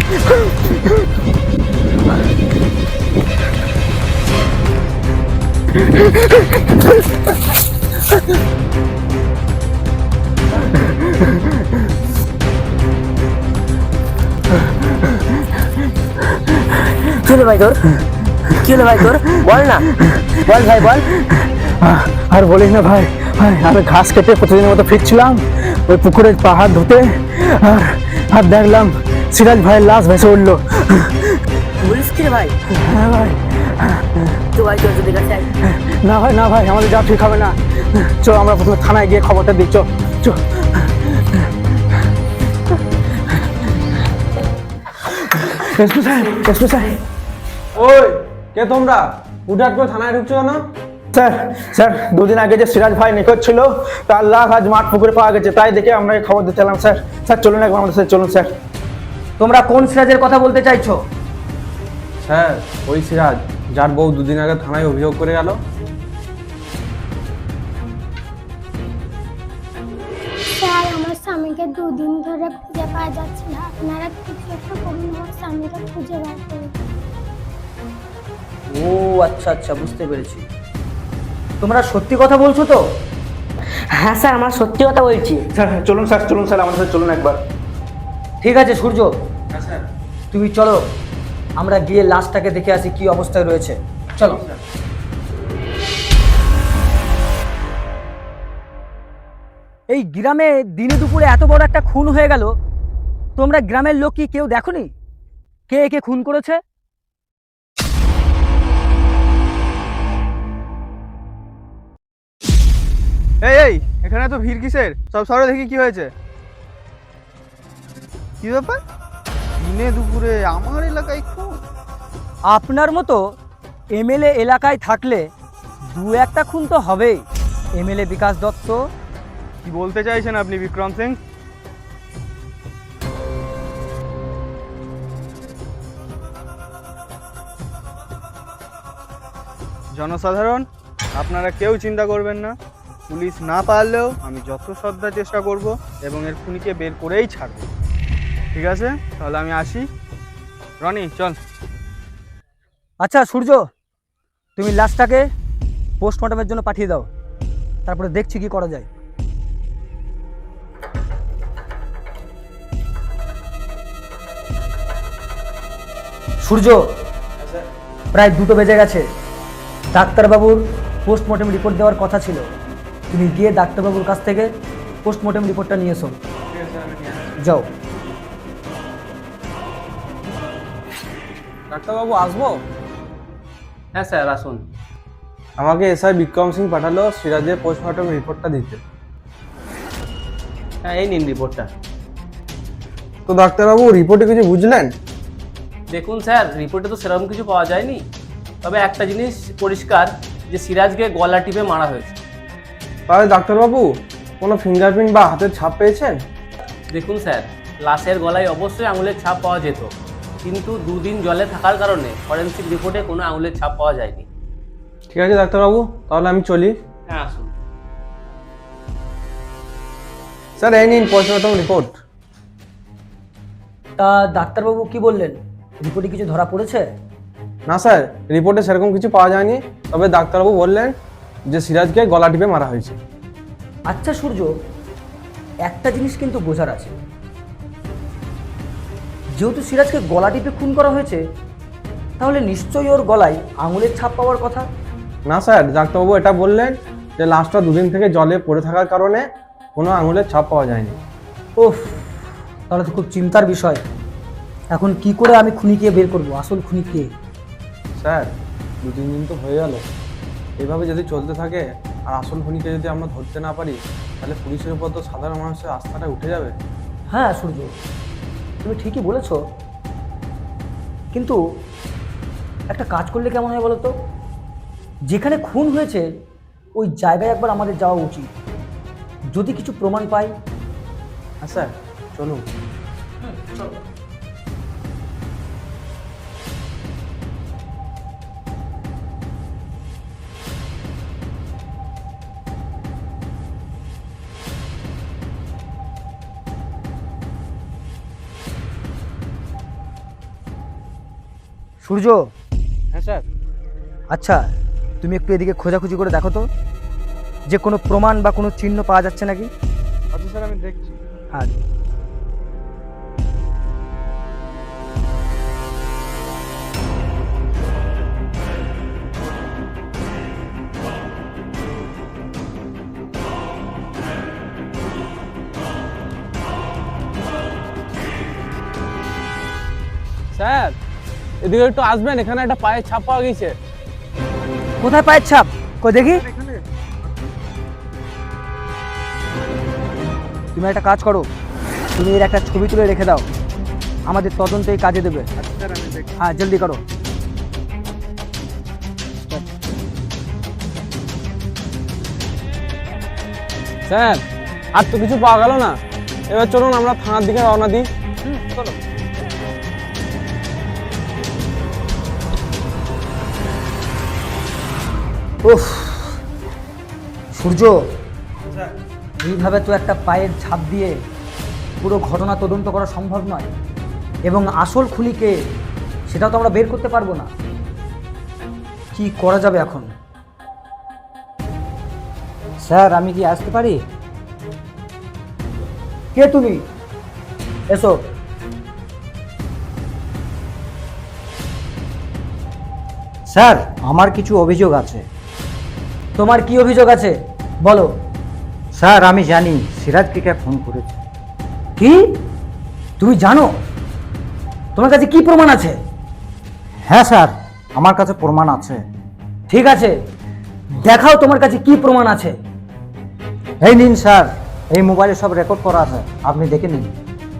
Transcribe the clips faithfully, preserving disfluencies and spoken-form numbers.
কি হলো ভাই তোর? কি হলো ভাই তোর? বল না, বল ভাই বল। আর বলিস না ভাই, ভাই আমি ঘাস কেটে প্রতিদিনের মতো ফিরছিলাম ওই পুকুরের পাহাড় ধুতে, আর আর দেখলাম সিরাজ ভাইয়ের লাশ ভেসে উঠলো। বলিস কি রে ভাই? হ্যাঁ ভাই। তো ভাই তোর যদি কাছে না ভাই, না ভাই, আমাদের যাওয়া ঠিক হবে না। চো আমরা প্রথমে থানায় গিয়ে খবরটা দিই। চো চো। এসপি সাহেব, এসপি সাহেব। ওই কে তোমরা? হুটহাট করে থানায় ঢুকছো কেন? স্যার, স্যার দুদিন আগে যে সিরাজ ভাই নিখোঁজ ছিল তার লাশ আজ মাঠ পুকুরে পাওয়া গেছে, তাই দেখে আমরা এই খবর দিতে এলাম। স্যার, স্যার চলুন একবার আমাদের সাথে চলুন। স্যার, তোমরা কোন সিরাজের কথা বলতে চাইছো? স্যার ওই সিরাজ যার বউ দুদিন আগে থানায় অভিযোগ করে গেল। স্যার আমার স্বামীকে দুদিন ধরে খুঁজে পাওয়া যাচ্ছে না, আপনারা কিছু একটা করুন, আমার স্বামীকে খুঁজে বার করুন। ও আচ্ছা আচ্ছা, বুঝতে পেরেছি। তোমরা সত্যি কথা বলছো তো? হ্যাঁ স্যার, আমরা সত্যি কথা বলছি। স্যার চলুন, স্যার চলুন, স্যার আমাদের সাথে চলুন একবার। ঠিক আছে সূর্য, তুমি চলো আমরা গিয়ে লাশটাকে দেখে আসি কি অবস্থায় রয়েছে। চলো। এই গ্রামে দিনে দুপুরে এত বড় একটা খুন হয়ে গেল, তোমরা গ্রামের লোক কি কেউ দেখোনি কে একে খুন করেছে? এই এই এখানে তো ভিড় কিসের? সব সরে দেখি কি হয়েছে। কি ব্যাপার? দিনে দুপুরে আমার এলাকায় খুন? আপনার মতো এমএলএ এলাকায় থাকলে দু একটা খুন তো হবেই। এমএলএ বিকাশ দত্ত। কি বলতে চাইছেন আপনি বিক্রম সিং? জনসাধারণ আপনারা কেউ চিন্তা করবেন না, পুলিশ না পারলেও আমি যত শ্রদ্ধা চেষ্টা করব এবং এর খুনিকে বের করেই ছাড়ব। ঠিক আছে, তাহলে আমি আসি। রনি চল। আচ্ছা সূর্য, তুমি লাশটাকে পোস্টমর্টমের জন্য পাঠিয়ে দাও, তারপরে দেখছি কি করা যায়। সূর্য, প্রায় দুটো বেজে গেছে, ডাক্তারবাবুর পোস্টমর্টম রিপোর্ট দেওয়ার কথা ছিল। তুমি গিয়ে ডাক্তারবাবুর কাছ থেকে পোস্টমর্টম রিপোর্টটা নিয়ে এসো। যাও। ডাক্তারবাবু আসবো? হ্যাঁ স্যার আসুন। আমাকে এসআই বিক্রম সিং পাঠালো সিরাজের পোস্টমর্টম রিপোর্টটা দিতে। হ্যাঁ এই নিন রিপোর্টটা। তো ডাক্তারবাবু রিপোর্টে কিছু বুঝলেন? দেখুন স্যার, রিপোর্টে তো সেরকম কিছু পাওয়া যায়নি, তবে একটা জিনিস পরিষ্কার যে সিরাজকে গলা টিপে মারা হয়েছে। তাহলে ডাক্তারবাবু কোনো ফিঙ্গারপ্রিন্ট বা হাতের ছাপ পেয়েছেন? দেখুন স্যার, লাশের গলায় অবশ্যই আঙুলের ছাপ পাওয়া যেত, কিন্তু দুদিন জলে থাকার কারণে ফরেনসিক রিপোর্টে কোনো আঙুলের ছাপ পাওয়া যায়নি। ঠিক আছে ডাক্তারবাবু, তাহলে আমি চলি। হ্যাঁ আসুন। স্যার এই নিন পোস্টমর্টম রিপোর্ট। তা ডাক্তারবাবু কি বললেন, রিপোর্টে কিছু ধরা পড়েছে? না স্যার, রিপোর্টে সেরকম কিছু পাওয়া যায়নি, তবে ডাক্তারবাবু বললেন যে সিরাজকে গলা টিপে মারা হয়েছে। আচ্ছা সূর্য, একটা জিনিস কিন্তু বোঝার আছে, যেহেতু সিরাজকে গলা টিপে খুন করা হয়েছে, তাহলে নিশ্চয়ই ওর গলায় আঙুলের ছাপ পাওয়ার কথা। না স্যার, ডাক্তারবাবু এটা বললেন যে লাশটা দুদিন থেকে জলে পড়ে থাকার কারণে কোনো আঙুলের ছাপ পাওয়া যায়নি। ওফ, তাহলে তো খুব চিন্তার বিষয়। এখন কি করে আমি খুনিকে বের করব, আসল খুনিকে? স্যার দু তিন দিন তো হয়ে গেল, এইভাবে যদি চলতে থাকে আর আসল খুনিকে যদি আমরা ধরতে না পারি, তাহলে পুলিশের উপর তো সাধারণ মানুষের আস্থাটা উঠে যাবে। হ্যাঁ সূর্য, তুমি ঠিকই বলেছ, কিন্তু একটা কাজ করলে কেমন হয় বলো তো? যেখানে খুন হয়েছে ওই জায়গায় একবার আমাদের যাওয়া উচিত, যদি কিছু প্রমাণ পাই। হ্যাঁ স্যার চলুন। সূর্য, হ্যাঁ স্যার। আচ্ছা তুমি একটু এদিকে খোঁজাখুঁজি করে দেখো তো, যে কোনো প্রমাণ বা কোনো চিহ্ন পাওয়া যাচ্ছে নাকি। আচ্ছা স্যার, আমি দেখছি। হ্যাঁ। স্যার এদিকে একটু আসবেন, এখানে একটা পায়ের ছাপ পাওয়া গেছে। কোথায় পায়ের ছাপ? কই দেখি। তুমি একটা কাজ করো, তুমি এর একটা ছবি তুলে রেখে দাও, আমাদের তদন্তে এই কাজে দেবে। আচ্ছা স্যার, আমি দেখছি। হ্যাঁ জলদি করো। স্যার আর তো কিছু পাওয়া গেল না, এবার চলুন আমরা থানার দিকে রওনা দিই। চলো। উফ সূর্য, স্যার, এইভাবে তো একটা পায়ের ছাপ দিয়ে পুরো ঘটনা তদন্ত করা সম্ভব নয়, এবং আসল খুনিকে সেটাও তো আমরা বের করতে পারবো না। কি করা যাবে এখন? স্যার আমি কি আসতে পারি? কে তুমি? এসো। স্যার আমার কিছু অভিযোগ আছে। তোমার কি অভিযোগ আছে বলো। স্যার আমি জানি সিরাজকে কে ফোন করেছে। কি? তুমি জানো? তোমার কাছে কি প্রমাণ আছে? হ্যাঁ স্যার, আমার কাছে প্রমাণ আছে। ঠিক আছে, দেখাও তোমার কাছে কি প্রমাণ আছে। এই নিন স্যার, এই মোবাইলে সব রেকর্ড করা আছে, আপনি দেখে নিন।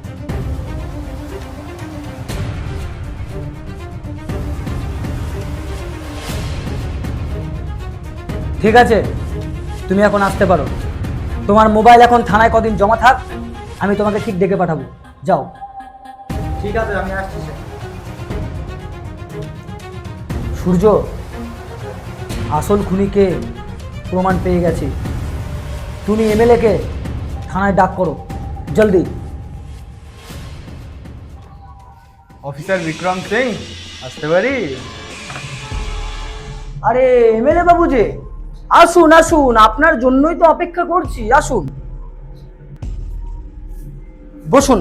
ঠিক আছে, তুমি এখন আসতে পারো। তোমার মোবাইল এখন থানায় কদিন জমা থাক, আমি তোমাকে ঠিক ডেকে পাঠাবো। যাও। ঠিক আছে, আমি আসছি স্যার। সূর্য, আসল খুনিকে প্রমাণ পেয়ে গেছি। তুমি এমএলএ কে থানায় ডাক করো জলদি। অফিসার বিক্রম সিং, আসতে পারি? আরে এমএলএ বাবু যে, আসুন আসুন, আপনার জন্যই তো অপেক্ষা করছি, আসুন বসুন।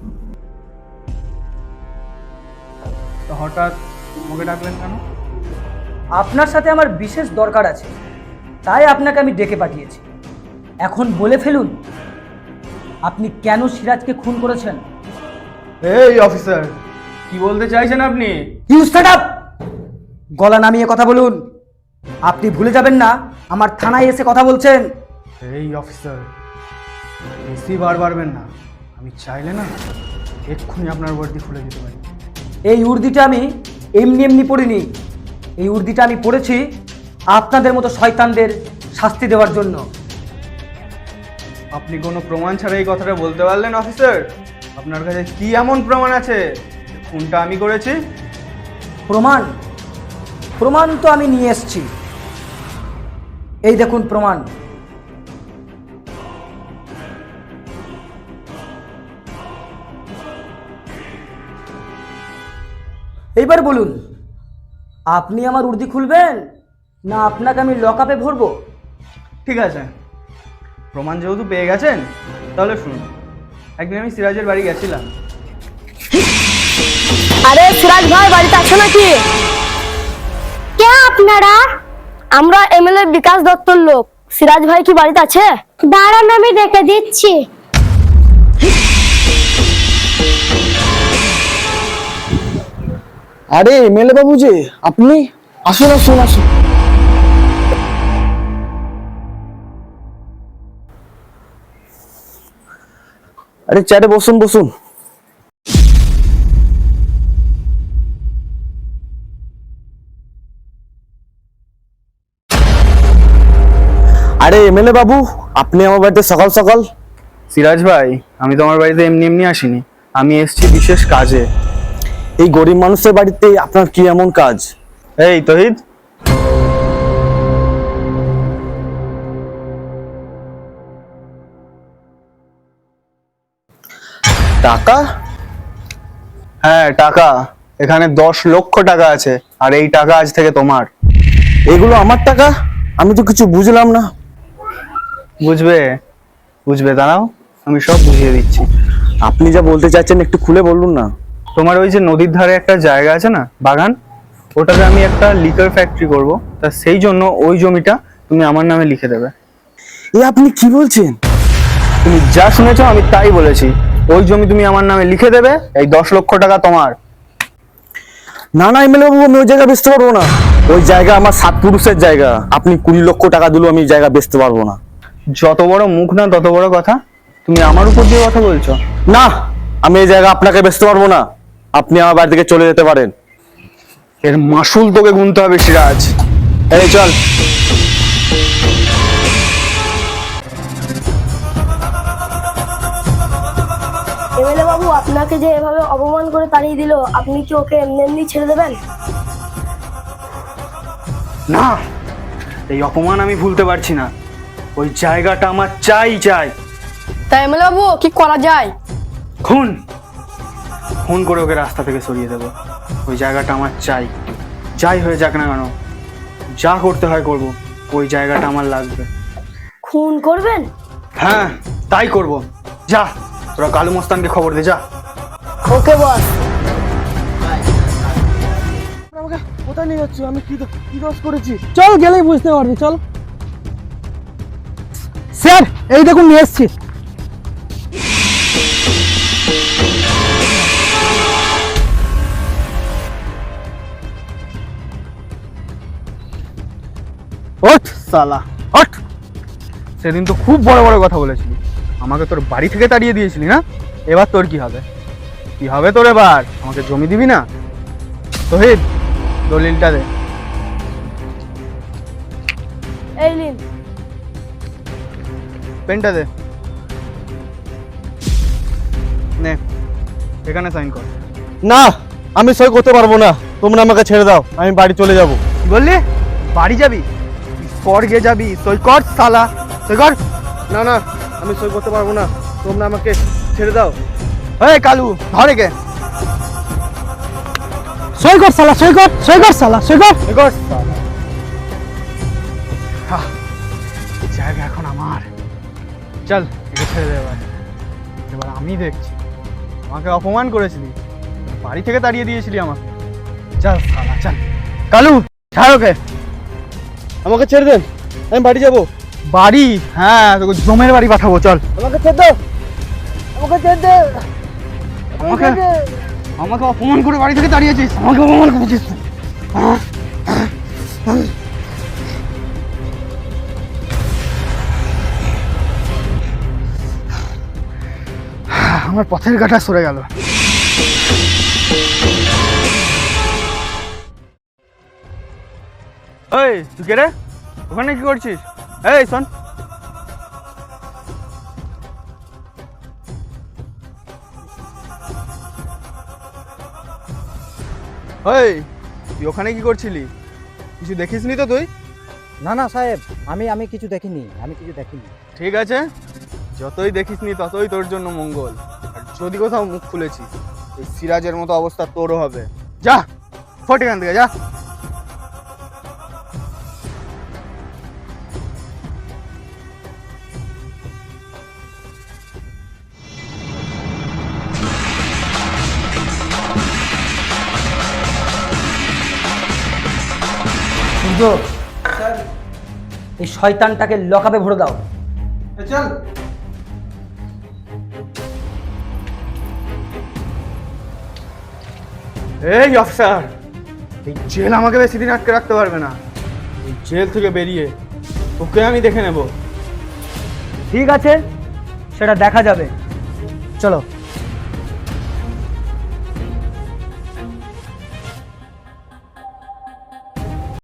তো হঠাৎ আমাকে ডাকলেন কেন? আপনার সাথে আমার বিশেষ দরকার আছে, তাই আপনাকে আমি ডেকে পাঠিয়েছি। এখন বলে ফেলুন, আপনি কেন সিরাজকে খুন করেছেন? এই অফিসার, কি বলতে চাইছেন আপনি? You stand up! গলা নামিয়ে কথা বলুন। আপনি ভুলে যাবেন না আমার থানায় এসে কথা বলছেন। এই অফিসার, বেশি বার বাড়বেন না। আমি চাইলে না এক্ষুনি আপনার বর্দি খুলে দিতে পারি। এই উর্দিটা আমি এমনি এমনি পড়িনি, এই উর্দিটা আমি পড়েছি আপনাদের মতো শয়তানদের শাস্তি দেওয়ার জন্য। আপনি কোনো প্রমাণ ছাড়া এই কথাটা বলতে পারলেন অফিসার? আপনার কাছে কি এমন প্রমাণ আছে যে খুনটা আমি করেছি? প্রমাণ? প্রমাণ তো আমি নিয়ে এসেছি, এই দেখুন প্রমাণ। এইবার বলুন, আপনি আমার উর্দি খুলবেন না আপনাকে আমি লকআপে ভরবো? ঠিক আছে, প্রমাণ যেহেতু পেয়ে গেছেন তাহলে শুনুন। একদিন আমি সিরাজের বাড়ি গেছিলাম। আরে সিরাজ ভাই বাড়িতে আছো নাকি? কে আপনারা? আমরা এমএলএ বিকাশ দত্তর লোক। সিরাজ ভাই কি বাড়িতে আছে? দাঁড়ান আমি দেখে দিচ্ছি। আরে এমএলএ বাবু যে, আপনি আসুন আসুন আসুন। আরে চেয়ারে বসুন বসুন। আরে এমএলএ বাবু, আপনি আমার বাড়িতে সকাল সকাল? সিরাজ ভাই, আমি তো আমার বাড়িতে এমনি এমনি আসিনি, আমি এসেছি বিশেষ কাজে। এই গরিব মানুষের বাড়িতে আপনার কি এমন কাজ? এই তহিদ, টাকা? হ্যাঁ টাকা। এখানে দশ লক্ষ টাকা আছে, আর এই টাকা আজ থেকে তোমার। এগুলো আমার টাকা? আমি তো কিছু বুঝলাম না। বুঝবে বুঝবে দাঁড়াও, আমি সব বুঝিয়ে দিচ্ছি। আপনি যা বলতে চাচ্ছেন একটু খুলে বলুন না। তোমার ওই যে নদীর ধারে একটা জায়গা আছে না, বাগান, ওটাতে আমি একটা লিকার ফ্যাক্টরি করব, তা সেই জন্য ওই জমিটা তুমি আমার নামে লিখে দেবে। এ আপনি কি বলছেন? তুমি যা শুনেছো আমি তাই বলেছি। ওই জমি তুমি আমার নামে লিখে দেবে, এই দশ লক্ষ টাকা তোমার। না না এমএলএ বাবু, আমি ওই জায়গা বেচতে পারবো না। ওই জায়গা আমার সাত পুরুষের জায়গা। আপনি কুড়ি লক্ষ টাকা দিলেও আমি জায়গা বেচতে পারবো না। যত বড় মুখ না তত বড় কথা, তুমি আমার উপর দিয়ে কথা বলছো। না, আমি এই জায়গা আপনাকে বেচতে পারবো না। আপনি আমার বাড়ি থেকে চলে যেতে পারেন। এর মাসুল তোকে গুনতে হবে সিরাজ। এই চল। এমএলএ বাবু, আপনাকে যে এভাবে অপমান করে তাড়িয়ে দিল, আপনি কি ওকে এমনি এমনি ছেড়ে দেবেন? না, এই অপমান আমি ভুলতে পারছি না। ওই জায়গাটা আমার চাই চাই। তাই এমএলএ বাবু কি করা যায়? খুন খুন করে ওকে রাস্তা থেকে সরিয়ে দেবো। ওই জায়গাটা আমার চাই, যাই হয়ে যাক না কেন, যা করতে হয় করব। ওই জায়গাটা আমার লাগবে। খুন করবেন? হ্যাঁ, তাই করব। যা, তোরা কালু মস্তানকে খবর দে, যা। ওকে বস। আমাকে কোথায় নিয়ে যাচ্ছ? আমি কি কি দোষ করেছি? চল, গেলেই বুঝতে পারবি। চল স্যার, এই দেখুন নিয়ে এসছি। ওঠ সালা, ওঠ। সেদিন তো খুব বড় বড় কথা বলেছিলি, আমাকে তোর বাড়ি থেকে তাড়িয়ে দিয়েছিলি না? এবার তোর কি হবে? কি হবে তোর এবার? আমাকে জমি দিবি না? তোহিদ, দলিলটা দে। এই নিন। পেনটা দে। নে, এখানে সাইন কর। না, আমি সই করতে পারবো না। তোমরা আমাকে ছেড়ে দাও, আমি বাড়ি চলে যাব। কি বললি? বাড়ি যাবি? স্বর্গে যাবি? সই কর সালা, সই কর। না না, আমি সই করতে পারবো না। তোমরা আমাকে ছেড়ে দাও। এই কালু, ধরে কে? সই কর সালা, সই কর, সই কর সালা, সই কর। সই কর সালা। হা, এই জায়গা এখন আমার। চল, একে ছেড়ে দে এবার। এবার আমি দেখছি। আমাকে অপমান করেছিলি, বাড়ি থেকে তাড়িয়ে দিয়েছিলি আমাকে। চল সালা, চল। কালু, ছাড় ওকে। আমাকে ছেড়ে দেন, আমি বাড়ি যাব। বাড়ি? হ্যাঁ, তোকে জমের বাড়ি পাঠাবো। চল। আমাকে ছেড়ে দাও, আমাকে ছেড়ে দে। আমাকে আমাকে অপমান করে বাড়ি থেকে তাড়িয়েছিস, আমাকে অপমান করেছিস। আমার পথের কাঁটা সরে গেল। এই তুই কে রে? ওখানে কি করছিস? এই শোন, এই তুই ওখানে কি করছিলি? কিছু দেখিসনি তো তুই? না না সাহেব, আমি আমি কিছু দেখিনি, আমি কিছু দেখিনি। ঠিক আছে, যতই দেখিসনি ততই তোর জন্য মঙ্গল। আর যদি কোথাও মুখ খুলেছিস, ওই সিরাজের মতো অবস্থা তোরও হবে। যা, ফট এখান থেকে, যা। সূর্য, এই শয়তানটাকে লকআপে ভরে দাও। চল। এই অফিসার, এই জেল আমাকে বেশি দিন আটকে রাখতে পারবে না। এই জেল থেকে বেরিয়ে ওকে আমি দেখে নেব। ঠিক আছে, সেটা দেখা যাবে। চলো।